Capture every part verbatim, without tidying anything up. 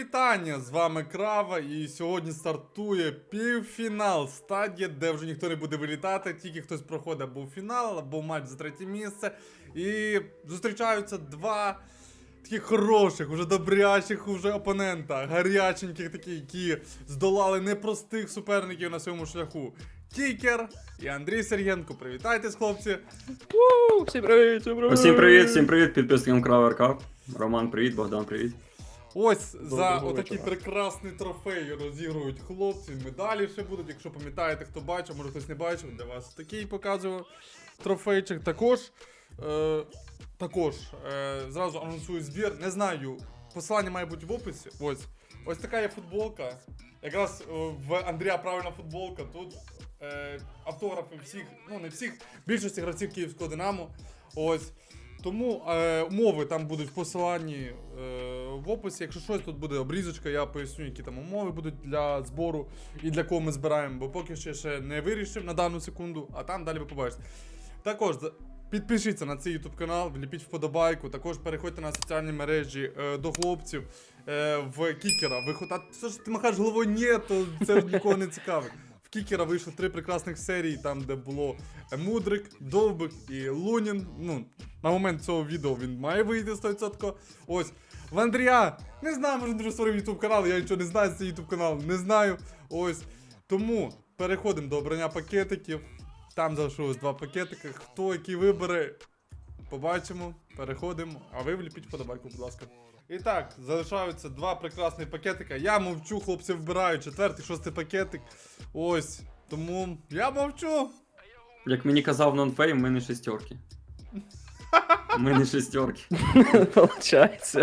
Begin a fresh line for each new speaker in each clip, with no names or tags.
Вітання! З вами Крава, і сьогодні стартує півфінал стадії, де вже ніхто не буде вилітати, тільки хтось проходить або в фінал, або в матч за третє місце. І зустрічаються два таких хороших, уже добрячих уже опонента, гаряченьких таких, які здолали непростих суперників на своєму шляху. Кікер і Андрій Сергієнко. Привітайтесь, хлопці!
Уу, всім привіт, всім привіт!
Всім привіт, всім привіт, підписникам Крава РК. Роман, привіт, Богдан, привіт.
Ось за
Доброго
отакий
вечора.
прекрасний трофей розігрують хлопці, медалі ще будуть, якщо пам'ятаєте, хто бачив, може хтось не бачив, для вас такий показую трофейчик. Також, е, також е, зразу анонсую збір, не знаю, посилання має бути в описі, ось. Ось така є футболка, якраз е, в Андрія правильна футболка, тут е, автографи всіх, ну не всіх, більшості гравців Київського Динамо, ось. Тому е, умови там будуть в посиланні е, в описі. Якщо щось, тут буде обрізочка, я поясню, які там умови будуть для збору і для кого ми збираємо, бо поки що ще не вирішив на дану секунду, а там далі ви побачите. Також підпишіться на цей YouTube канал, вліпіть вподобайку, також переходьте на соціальні мережі е, до хлопців е, в Кікера. Виход... А що ж ти махаєш головою? Ні, то це нікого не цікавить. В Кікера вийшло три прекрасних серії, там де було Мудрик, Довбик і Лунін. Ну, на момент цього відео він має вийти сто відсотків. Ось. В Андрія, не знаю, може дуже створив YouTube канал, я нічого не знаю з цього YouTube каналу, не знаю. Ось. Тому переходимо до обрання пакетиків. Там залишилось два пакетики. Хто який вибере, побачимо, переходимо. А ви вліпіть вподобайку, будь ласка. І так, залишаються два прекрасні пакетика. Я мовчу, хлопці вбирають четвертий, шостий пакетик. Ось. Тому я мовчу.
Як мені казав нонфей, ми не шестерки. Ми не шестерки.
Получається.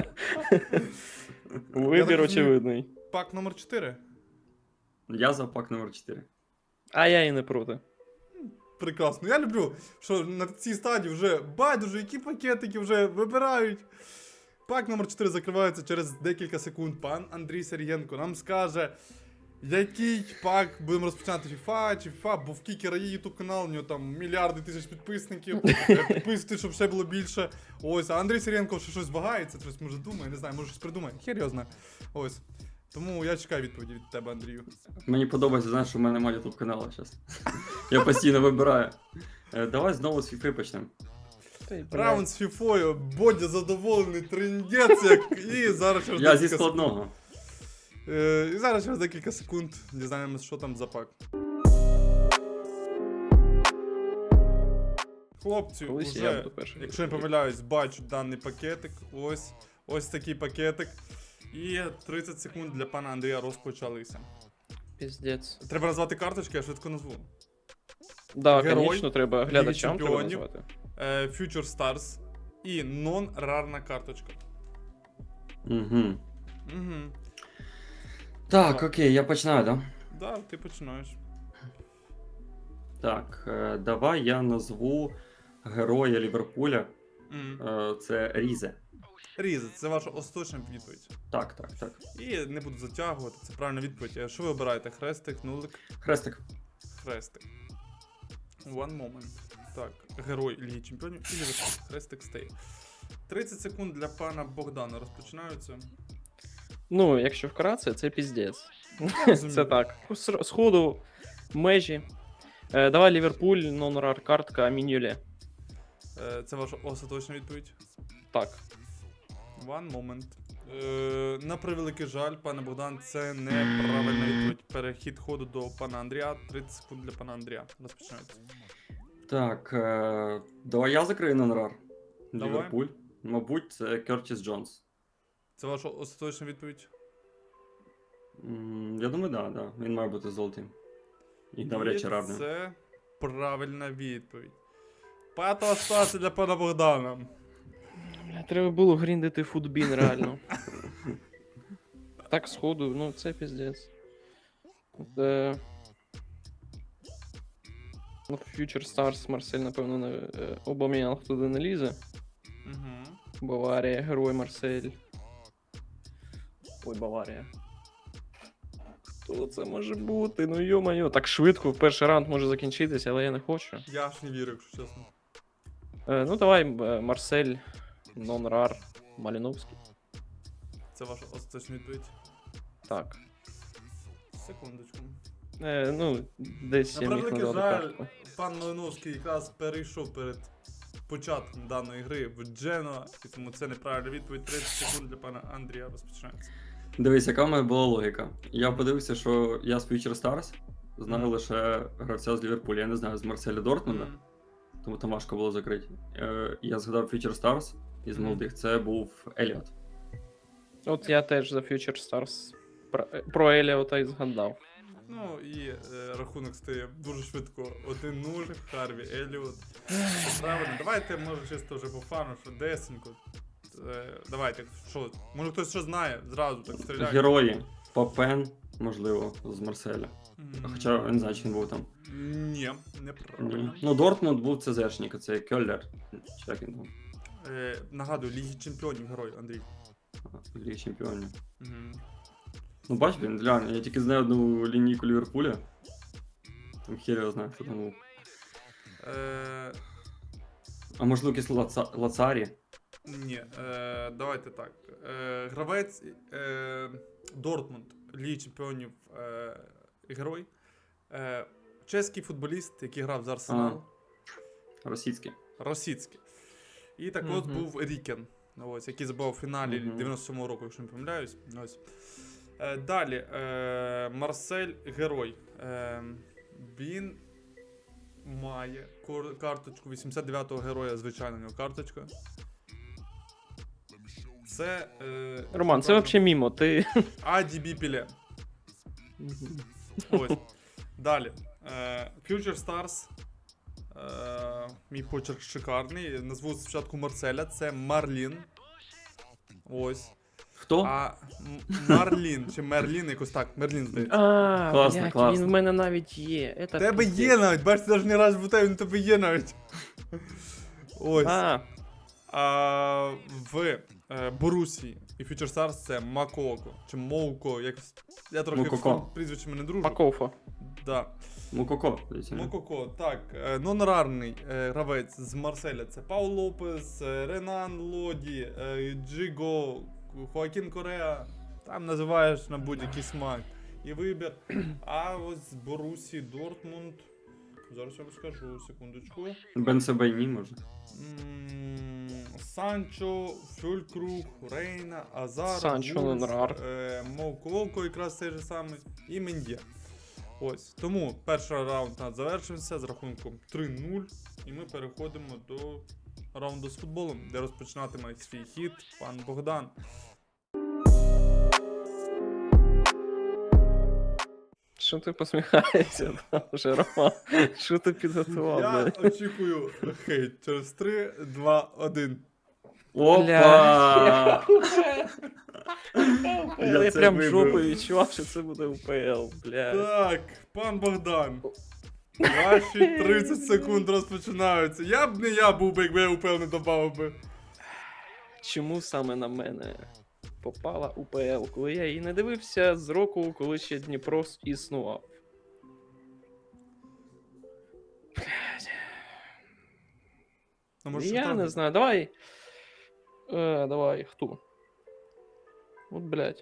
Вибір
Я так
очевидний.
Пак номер чотири.
Я за пак номер чотири.
А я і не проти.
Прекрасно. Я люблю, що на цій стадії вже байдуже, які пакетики вже вибирають. Пак номер чотири закривається через декілька секунд. Пан Андрій Сергієнко нам скаже, який пак будемо розпочинати FIFA чи FIFA, бо в Кікера є YouTube канал, у нього там мільярди тисяч підписників. Підписуйтесь, щоб ще було більше. Ось, а Андрій Сергієнко ще щось вагається, щось може думає, не знаю, може щось придумає. Хер його знає. Ось. Тому я чекаю відповіді від тебе, Андрію.
Мені подобається, знаєш, що в мене немає ютуб каналу зараз. Я постійно вибираю. Е, Давай знову з FIFA почнемо.
Раунд з фіфою, Бодя задоволений, триндець, як... і зараз через
Я зі
декілька
складного.
Е, і зараз через декілька секунд дізнаємося, що там за пак. Хлопці,
Колись я
уже,
буду перший.
якщо не помиляюсь, бачу даний пакетик. Ось, ось такий пакетик. І тридцять секунд для пана Андрія розпочалися.
Піздець.
Треба назвати карточки, я швидко назву.
Да,
Герой,
звісно, треба глядачам треба
чемпіонів.
назвати.
Е, Future Stars і нон-рарна карточка.
Угу.
Угу.
Так, окей, я починаю, да?
Да, ти починаєш.
Так, е, давай я назву героя Ліверпуля.
Мгм.
Е, Це Різе.
Різа, це ваша остаточна відповідь.
Так, так, так.
І не буду затягувати, це правильна відповідь. А що ви обираєте? Хрестик, нулик,
Хрестик.
хрестик. One moment. Так, герой Ліги Чемпіонів і Ліверпуль. Хрестик стає. тридцять секунд для пана Богдана розпочинаються.
Ну, якщо вкратце, це піздець.
розумію.
Це так. С- Сходу, межі. Е, Давай Ліверпуль, нон-рар картка, Мінюле.
Е, Це ваша остаточна відповідь.
Так.
One moment. Е, на превеликий жаль, пане Богдан, це неправильна відповідь. Перехід ходу до пана Андрія. тридцять секунд для пана Андрія. Розпочинаються.
Так, е, давай я закрию нонрар.
Давай.
Ліверпуль. Мабуть, це Кертіс Джонс.
Це ваша остаточна відповідь.
М, Я думаю, да, да. Він має бути золотим. І навряд чи
І
равним.
Це правильна відповідь. П'ята остація для пана Богдана.
Бля, треба було гріндити футбін, реально. Так, сходу, ну це піздець. Це... Ну, Future Stars, Марсель, напевно, не... е, Обам'янг туди не лізе.
Угу.
Баварія, герой Марсель. Ой, Баварія. Хто це може бути? Ну йо-моє, так швидко, в перший раунд може закінчитися, але я не хочу.
Я ж не вірю, якщо чесно.
Е, ну давай, е, Марсель, нон-рар, Маліновський.
Це ваша остаточна відповідь.
Так.
Секундочку.
Е, ну, десь
На
я міг
превеликий
назвати
жаль,
картку.
пан Малиновський якраз перейшов перед початком даної гри в Дженуа, і тому це неправильна відповідь. тридцять секунд для пана Андрія розпочинається.
Дивись, яка в мене була логіка. Я подивився, що я з Future Stars знаю
Мгм.
лише гравця з Ліверпуля, я не знаю, з Марселя Дортмунда,
Мгм.
тому там важко було закрити. Е, я згадав Future Stars із
Мгм.
молодих, це був Еліот.
От я теж за Future Stars про, про Еліота і згадав.
Ну і е, рахунок стає дуже швидко. один нуль, Харві Еліот. Це правильно. Давайте, може, чисто вже по фану, що десенько. Е, давайте, що, може хтось що знає, зразу так стріляє.
Герої. Папен, можливо, з Марселя.
М,
Хоча я не знаю, чи він був там.
Ні, неправильно.
Ні. Ну, Дортмунд був ЦЗшник, це Кьоллер. Чи як він там?
Е, нагадую, Ліги Чемпіонів герой, Андрій.
В Лігі Чемпіонів.
Мгм.
Ну, бач, він, глянь, я тільки знаю одну лінійку Ліверпуля. Там хер його знає, хто там був.
Е,
А можливо, якийсь Лаца... Лацарі?
ні, е, давайте так. Е, гравець е, Дортмунд, Ліги Чемпіонів е, герой. Е, чеський футболіст, який грав за Арсенал.
Російський.
Російський. І так от
Мгм.
був Рікен, ось, який забив у фіналі
Мгм.
дев'яносто сьомого року, якщо не помиляюсь. Ось. Е, далі. Е, Марсель Герой. Е, він має кор- карточку вісімдесят дев'ятого героя, звичайно, у нього карточка. Це. Е,
Роман, це взагалі мімо. Ти.
Аді Піле. Ось. Далі. Е, Future Stars. Е, мій почерк шикарний. Назву спочатку Марселя. Це Марлін. Ось.
Хто?
А М- Марлін чи Мерлін, якось так. Мерлін здається.
А,
Класно,
блядь,
класно.
він в мене навіть є.
У
Это
тебе
пиздець.
є навіть, бачите, навіть не раз в тебе, він у тебе є навіть. Ось.
А,
А в е, Борусії і Future Stars це Макоко. Чи Моуко, якось. Я трохи
Мококо.
з прізвищами не дружу.
Пакофа.
Да.
Мукоко. здається, ні?
Мококо, так. е, Нонорарний е, гравець з Марселя це Паул Лопес, е, Ренан Лоді, е, Джиго, Хоакін Кореа. Там називаєш на будь-який смак і вибір. А ось з Борусі Дортмунд. Зараз я вам скажу, секундочку.
Бенсебейні, може.
М, Санчо, Фюлькруг, Рейна, Азар,
Санчо,
Вульф,
Ленрар.
е, Мококо, якраз цей же самий, і Мендє. Ось. Тому перший раунд у нас завершився з рахунком три нуль. І ми переходимо до раунду з футболом, де розпочинатиме свій хід пан Богдан.
Що ти посміхаєшся там вже, Роман? Що ти підготував,
Я
блядь?
очікую хейт через три, два, один.
Опа!
Я,
Я це
прям
вибив.
жопою відчував, що це буде УПЛ, блядь.
Так, пан Богдан. Ваші тридцять секунд розпочинаються. Я б не я був би, якби я УПЛ не добавив би.
Чому саме на мене попала УПЛ, коли я її не дивився з року, коли ще Дніпро існував?
Ну, може,
Я
Шахтар-
не знаю, давай. Е, давай, хто? От, блядь.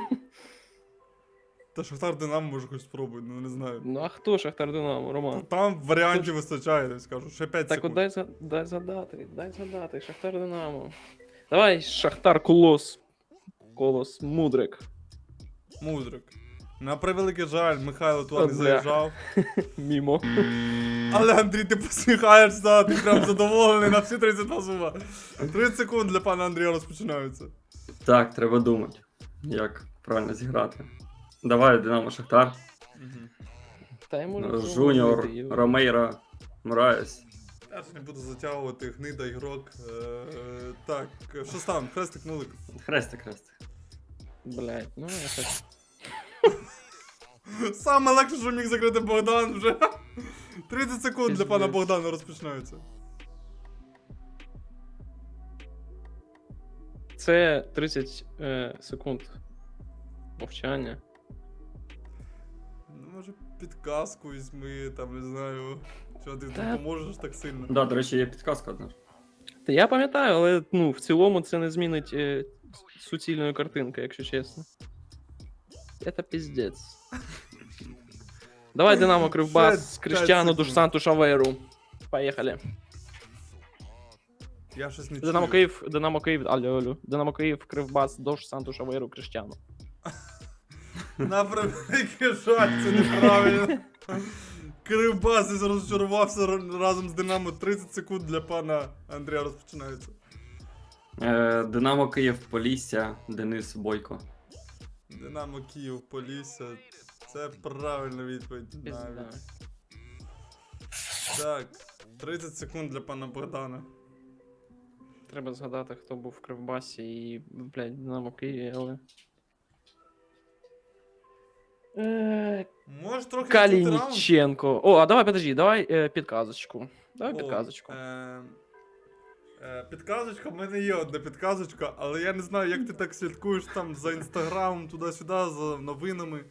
Та Шахтар Динамо може хоч спробуй, ну не знаю.
Ну а хто Шахтар Динамо, Роман?
Там варіантів вистачає, я скажу. Ще п'ять
Так от
секунд.
дай, за- дай згадати, дай згадати, Шахтар Динамо. Давай, Шахтар Колос. Колос, Мудрик.
Мудрик. На превеликий жаль, Михайло туди не
Бля.
заїжджав.
Мімо.
Але Андрій, ти посміхаєшся, ти прям задоволений на всі тридцять два зуба. тридцять секунд для пана Андрія розпочинаються.
Так, треба думати, як правильно зіграти. Давай, Динамо Шахтар.
Та йому не
Жуніор,
зробити, йо.
Ромейра, Мураєс.
Я ж не буду затягувати, гнида ігрок. Е, так, що стан? Хрестик нулик.
Хрестик, хрестик.
Блядь, ну я так.
Саме легше, що міг закрити Богдан вже. тридцять секунд для пана
Пиздець.
Богдана розпочинаються.
Це тридцять е, секунд мовчання.
Ну, може, підказку візьми, там, не знаю. Що ти
Та-
допоможеш так сильно.
Да, до речі, є підказка одна.
Та я пам'ятаю, але ну, в цілому це не змінить е, суцільної картинки, якщо чесно. Это пиздец. Давай Динамо Кривбас,
П'ять-
Криштиану
п'ять
Душ
секунд.
Санту Шаверу. Поехали.
Я щось не
Динамо
чую.
Київ, Динамо Київ, алло, алло. Динамо Київ, Кривбас, Дош Санту Шаверу, Криштиану.
На превеликий жаль, це неправильно. Кривбас розчарувався ра- разом з Динамо. тридцять секунд для пана Андрія розпочинається.
Е, Динамо Київ, Полісся, Денис Бойко.
Динамо Київ, Полісся. Це правильна відповідь.
Пізда.
Навіть. Так, тридцять секунд для пана Богдана.
Треба згадати, хто був в Кривбасі і, блядь, Динамо Києві, але... Е,
Можеш трохи відкрити раунд?
Калініченко. О, а давай, подожди, давай е, підказочку. Давай
О,
підказочку.
е, е, Підказочка, в мене є одна підказочка, але я не знаю, як ти так слідкуєш там за інстаграмом, туди-сюди, за новинами.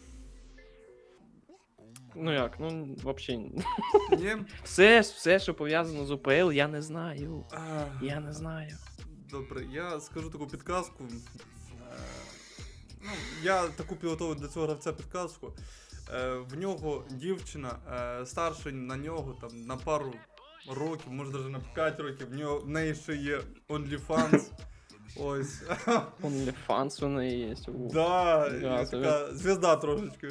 Ну як, ну, взагалі.
Ні?
Все, все, що пов'язано з УПЛ, я не знаю.
А,
Я не знаю.
Добре, я скажу таку підказку. Е, Ну, я таку підготовив для цього гравця підказку. Е, В нього дівчина е, старша на нього там на пару років, може навіть на п'ять років. В нього в неї ще є OnlyFans. Ось.
OnlyFans у неї є. У.
Да,
Да,
і
це
така звізда трошечки.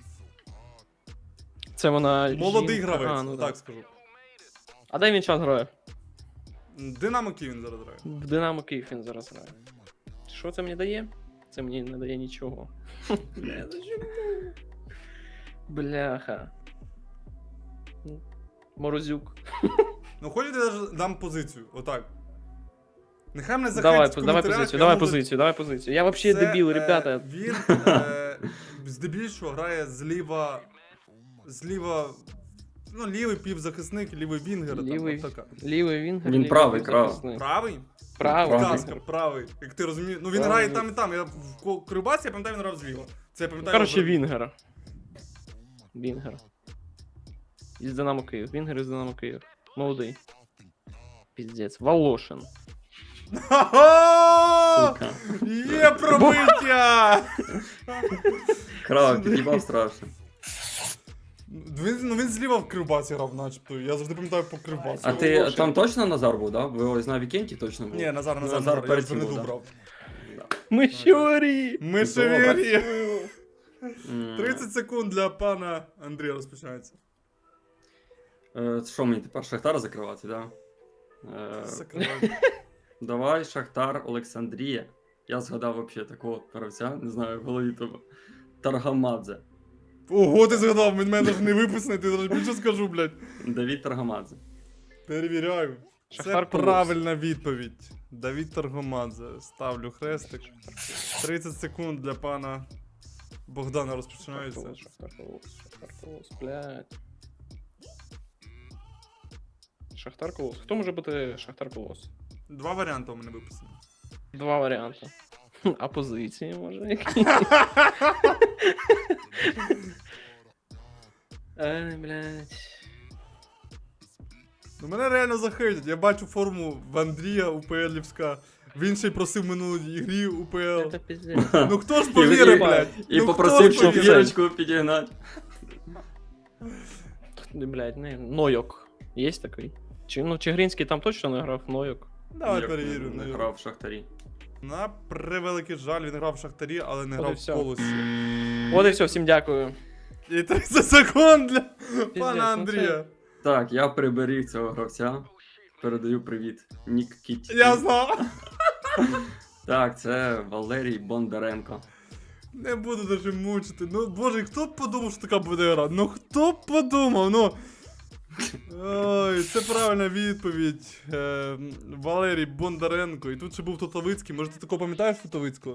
Це вона.
Молодий
жінка.
гравець,
А, ну,
так
так.
скажу.
А де він час грає?
Динамо Київ він зараз грає.
В Динамо Київ він зараз грає. Що це мені дає? Це мені не дає нічого. Бля, ну чому? Бляха. Морозюк.
Ну хочете, я даже дам позицію, отак. Нехай мене
Давай,
захейтять в
давай
коментарях,
позицію,
я
давай
можу-
позицію, давай позицію. Я вообще
Це,
дебіл,
е,
ребята.
Він е, здебільшого грає зліва. Зліва. Ну, лівий півзахисник, лівий вінгер.
Лівий.
Там, така.
Лівий він.
Він правий, крав.
Правий?
Правий.
Підказка, правий. Як ти розумієш. Ну він
Правий.
грає і там і там. Я в Ко- Кривбасі, я пам'ятаю, він грав зліва. Це я пам'ятаю.
Короче,
його-
Вінгер. Вінгер. Із Динамо Київ. Вінгер із Динамо Київ. Молодий. Піздець. Волошин.
Ха-ха!
Сука.
Є пробиття!
Крав, під'їбав страшно.
Він, ну він зліва в Кривбасі грав, начебто. Я завжди пам'ятаю по Кривбасу.
А ти там точно Назар був, да? Ви ось на вікенді точно був?
Ні, Назар,
Ну,
Назар,
Назар
Назар, я
перед
ж
цим
Вернеду
був, да?
брав.
Мишорі!
Ми ще
Добре.
вірі.
М,
тридцять секунд для пана Андрія розпочинається.
е, Що мені тепер Шахтар закривати, да? Е,
Закривай.
Давай, Шахтар, Олександрія. Я згадав вообще такого гравця, не знаю, в голові того. Таргамадзе.
Ого, ти згадав, він мене ж не виписаний, ти зараз більше скажу, блядь.
Давід Таргамадзе.
Перевіряю. Це
Шахтар Колос.
правильна відповідь. Давід Таргомадзе. Ставлю хрестик. тридцять секунд для пана Богдана розпочинається.
Шахтар Колос, Шахтар Колос, блядь. Шахтар Колос. Хто може бути Шахтар Колос?
Два варіанти у мене виписані.
Два варіанти. Хм, А позиції може які? Ай, блядь.
Ну мене реально захейтять. Я бачу форму в Андрія УПЛівська. Він ще й просив минулій ігрі УПЛ.
Это пиздец.
Ну хто ж
І-
повірив,
і-
блядь?
І
Ну,
попросив,
хто
щоб
повірив?
вірочку підігнати.
Блядь, не, Нойок. Є такий? Чи, ну, Чигринський там точно не грав, Нойок.
Давай
Як
перевірю.
Не
ну,
грав в Шахтарі.
На превеликий жаль, він грав в Шахтарі, але не
От і
грав в
всьо.
Колосі.
От і все, всім дякую.
І тридцять секунд для
ну
пана
це-
Андрія.
Так, я приберіг цього гравця. Передаю привіт. Нік Кіт.
Я знав.
Так, це Валерій Бондаренко.
Не буду даже мучити. Ну, боже, хто б подумав, що така буде гра? Ну хто б подумав, ну. Ой, це правильна відповідь. Е, Валерій Бондаренко. І тут ще був Тотовицький. Може ти такого пам'ятаєш Тотовицького?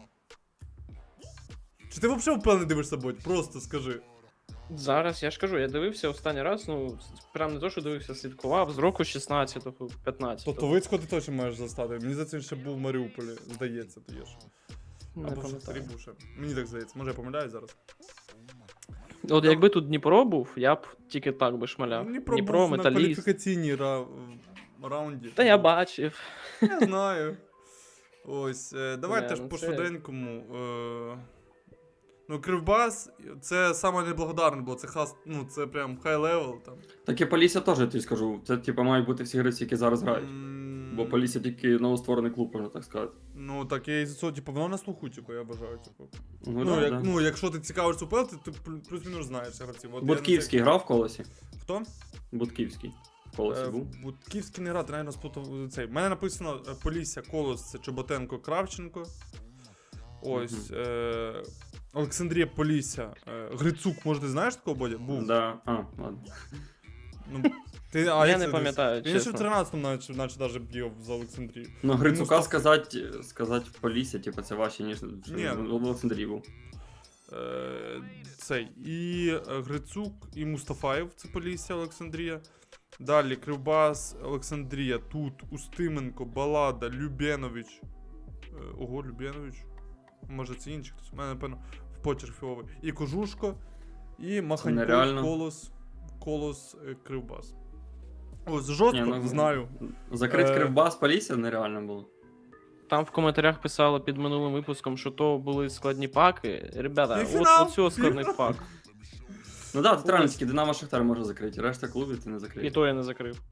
Чи ти взагалі впевнений дивишся бот? Просто скажи.
Зараз я ж кажу, я дивився останній раз, ну, прям не то, що дивився, слідкував з року шістнадцятого, п'ятнадцятого.
Тотовицького ти точно маєш застати. Мені здається, він ще був в Маріуполі. Здається, то є ж.
Не
Або в Шахтарі
пам'ятаю.
був ще. Мені так здається. Може я помиляюсь зараз.
От якби тут Дніпро був, я б тільки так би шмаляв.
Дніпро,
Дніпро,
був на
Металіст.
кваліфікаційній ра... раунді.
Та я бачив.
Я знаю. Ось, е, давайте
Бля,
ж
ну
по
це-
швиденькому. Е, Ну, Кривбас, це саме неблагодарне було, це хас, ну, це прям хай левел там.
Так і Полісся теж, я тобі скажу. Це, типу, мають бути всі гравці, які зараз грають.
М,
Бо Полісся тільки новостворений клуб, можна так сказати.
Ну, так я і за цього, типу, воно на слуху, типу, я бажаю, типу.
Ну,
Ну,
да,
як,
да.
ну якщо ти цікавишся УПЛ, ти, ти плю- плюс-мінус знаєш гравців. От я
Будківський
на
грав в колесі?
цей- Хто?
Будківський. В колесі
Е,
був.
Будківський не грав, ти, навіть, сплутав цей. У мене написано е, Полісся, Колос, це Чоботенко, Кравченко. Ось.
Мгм.
Е, Олександрія, Полісся. Е, Грицук, може, ти знаєш такого, Бодя? Був.
Да. А, ладно.
Ну, ти, а,
Я
як
не
це
пам'ятаю,
дивись? Він ще в
чесно.
тринадцятому наче, наче даже б'є за Олександрію.
Ну, Грицука
Мустафа-
сказати, сказати Полісся, типу, це важче, ніж
Ні.
в Олександрії був.
Е, цей. І е, Грицук, і Мустафаєв, це Полісся, Олександрія. Далі Кривбас, Олександрія, тут Устименко, Балада, Любєнович. Е, ого, Любєнович. Може це інший хтось. У мене, напевно, в почерк фіовий. І Кожушко, і Маханьков,
нереально.
Колос, Колос, е, Кривбас. Ось, жорстко,
Ні, ну,
знаю.
Закрити
Е,
Кривбас Полісся нереально було.
Там в коментарях писали під минулим випуском, що то були складні паки. Ребята, от,
Півфінал,
от цього складний
півфінал.
пак.
Ну да, тут реально
Ось.
тільки Динамо Шахтар може закрити, решта клубів ти не
І
закриєш.
то я не закрив.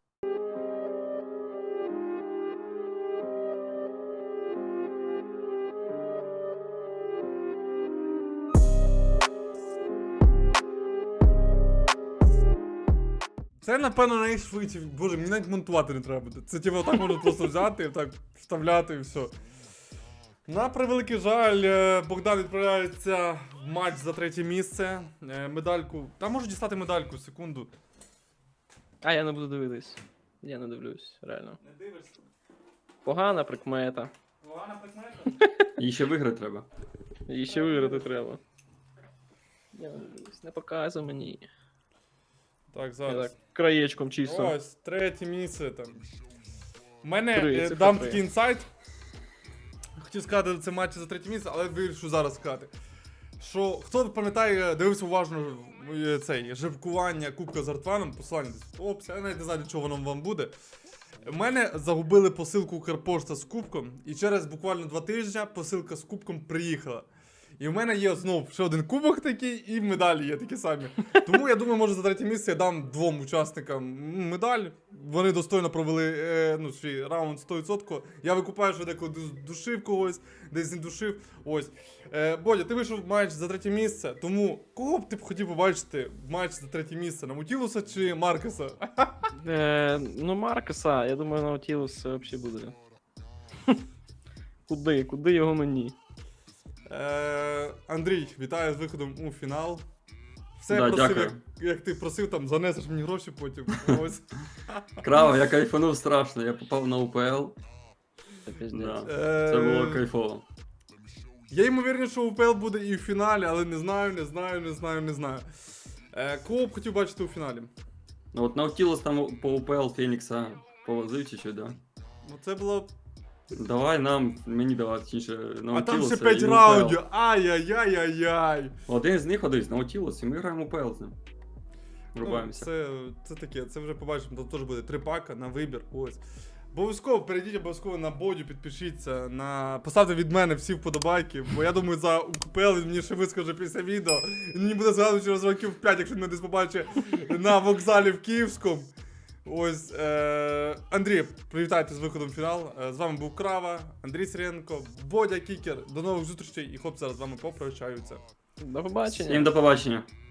Це, напевно, найшвидше. Боже, мені навіть монтувати не треба буде. Це типу так можна просто взяти і так вставляти і все. На превеликий жаль, е, Богдан відправляється в матч за третє місце. Е, Медальку. Та можу дістати медальку, секунду.
А я не буду дивитись. Я не дивлюсь, реально.
Не дивишся?
Погана прикмета.
Погана прикмета?
Їй ще виграти треба.
Її ще виграти треба. Я не дивлюсь, не показуй мені.
Так,
Я
зараз.
так краєчком чисто.
Ось, третє місце там. У мене
Три,
е,
цифра
дам
три.
такий інсайт. Хотів сказати, це матч за третє місце, але вирішив зараз сказати. Що хто пам'ятає, дивився уважно е, цей жеребкування Кубка з Артваном, посилання десь. Опс, я навіть не знаю, для чого воно вам буде. У мене загубили посилку Укрпошта з кубком, і через буквально два тижні посилка з кубком приїхала. І в мене є знову ще один кубок такий, і медалі є такі самі. Тому я думаю, може за третє місце я дам двом учасникам медаль. Вони достойно провели е, ну, свій раунд сто відсотків. Я викупаю, що деколи ду- душив когось, десь не душив. Ось. Е, Бодя, ти вийшов в матч за третє місце, тому кого б ти б хотів побачити в матч за третє місце? Наутілуса чи Маркеса?
Е, ну, Маркеса, я думаю, Наутілус взагалі буде. Куди? Куди його мені?
Е, Андрій, вітаю з виходом у фінал. Все
Да,
просив,
дякую.
як, як ти просив, там занесеш мені гроші потім. Ось.
Крава, я кайфанув страшно, я попав на УПЛ.
Це пиздець.
Да.
Е,
Це було кайфово.
Я ймовірний, що УПЛ буде і в фіналі, але не знаю, не знаю, не знаю, не знаю. Е, кого б хотів бачити у фіналі?
Ну от Наутілус там по УПЛ Фенікса повозив чи що, да?
Ну це було.
Давай нам, мені давай, точніше,
А
Наутілуса
там ще
і
п'ять
УПЛ.
раундів. Ай-яй-яй-яй-яй.
Один з них один, Наутілус, і ми граємо УПЛ з ним.
Ну,
Рубаємося.
це, це таке, це вже побачимо. Тут теж буде три пака на вибір. Ось. Обов'язково перейдіть обов'язково на Бодю, підпишіться, на... поставте від мене всі вподобайки, бо я думаю, за УКПЛ він мені ще вискаже після відео. Він мені буде згадувати через років п'ять, якщо він мене десь побачить на вокзалі в Київському. Ось, е... Андрій, привітайте з виходом в фінал. Е, З вами був Крава, Андрій Сиренко, Бодя Кікер. До нових зустрічей і хлопці зараз з вами попрощаються.
До побачення.
Всім до побачення.